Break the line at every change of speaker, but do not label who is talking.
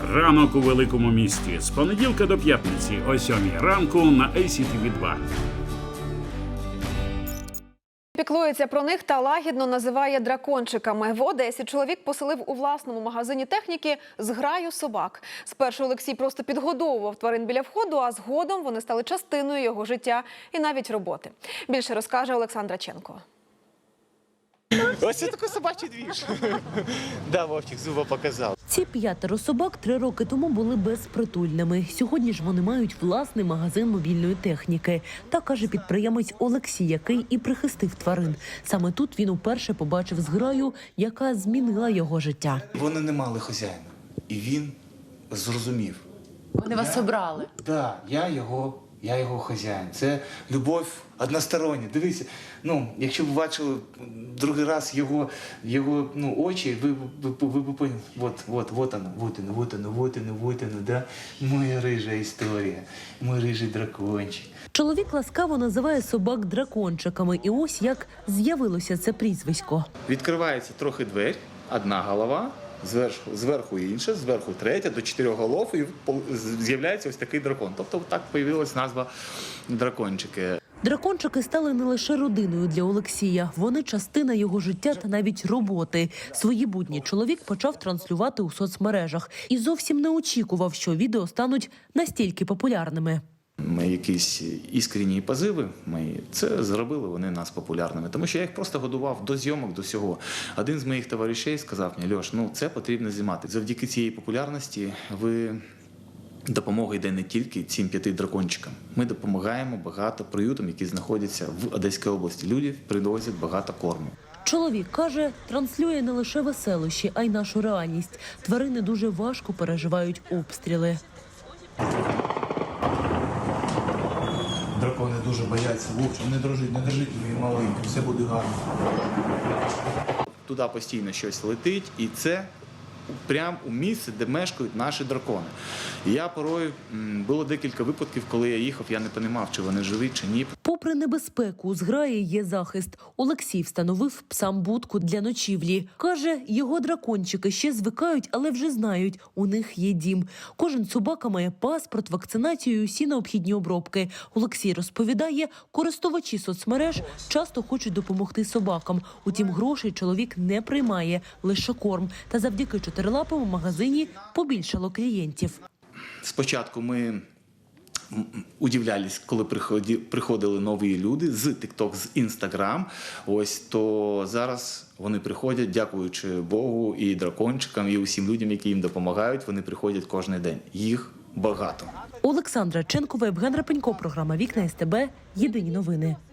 Ранок у великому місті. З понеділка до п'ятниці о 7 ранку на ACTV2.
Піклується про них та лагідно називає дракончиками. В Одесі чоловік поселив у власному магазині техніки зграю собак. Спершу Олексій просто підгодовував тварин біля входу, а згодом вони стали частиною його життя і навіть роботи. Більше розкаже Олександра Ченко.
Ось це такий собачий двіж. Да, Вовчик зуба показав.
Ці 5 собак 3 роки тому були безпритульними. Сьогодні ж вони мають власний магазин мобільної техніки. Так каже підприємець Олексій, який і прихистив тварин. Саме тут він уперше побачив зграю, яка змінила його життя.
Вони не мали хазяїна. І він зрозумів.
Вони вас обрали?
Так, я його хазяїн. Це любов одностороння. Дивіться, якщо ви бачили другий раз його очі, ви поняли, вот оно, да? Моя рижа історія, мой рижий дракончик.
Чоловік ласкаво називає собак дракончиками. І ось як з'явилося це прізвисько.
Відкривається трохи двері, одна голова, зверху інша, зверху третя, до 4 голов, і з'являється ось такий дракон. Тобто так з'явилась назва дракончики.
Дракончики стали не лише родиною для Олексія. Вони частина його життя та навіть роботи. Свої будні чоловік почав транслювати у соцмережах. І зовсім не очікував, що відео стануть настільки популярними.
Ми якісь іскренні позиви, це зробили вони нас популярними. Тому що я їх просто годував до зйомок, до всього. Один з моїх товаришей сказав мені: Льош, це потрібно знімати. Завдяки цієї популярності допомога йде не тільки цим 5 дракончикам. Ми допомагаємо багато приютам, які знаходяться в Одеській області. Люди приносять багато корму.
Чоловік каже, транслює не лише веселощі, а й нашу реальність. Тварини дуже важко переживають обстріли.
Дракони дуже бояться. Вовчик, не дрожіть, мої маленькі, все буде гарно. Туди постійно щось летить, і це прямо у місце, де мешкають наші дракони. І я порою, було декілька випадків, коли я їхав, я не розумів, чи вони живі, чи ні.
Попри небезпеку, у зграї є захист. Олексій встановив псам будку для ночівлі. Каже, його дракончики ще звикають, але вже знають, у них є дім. Кожен собака має паспорт, вакцинацію і усі необхідні обробки. Олексій розповідає, користувачі соцмереж часто хочуть допомогти собакам. Утім, грошей чоловік не приймає, лише корм. Та завдяки 4-лапому магазині побільшало клієнтів.
Спочатку ми удивлялись, коли приходили нові люди з TikTok, з Instagram. То зараз вони приходять, дякуючи Богу і дракончикам, і усім людям, які їм допомагають, вони приходять кожен день. Їх багато.
Олександра Ченкова, Євген Рапенько, програма «Вікна СТБ», єдині новини.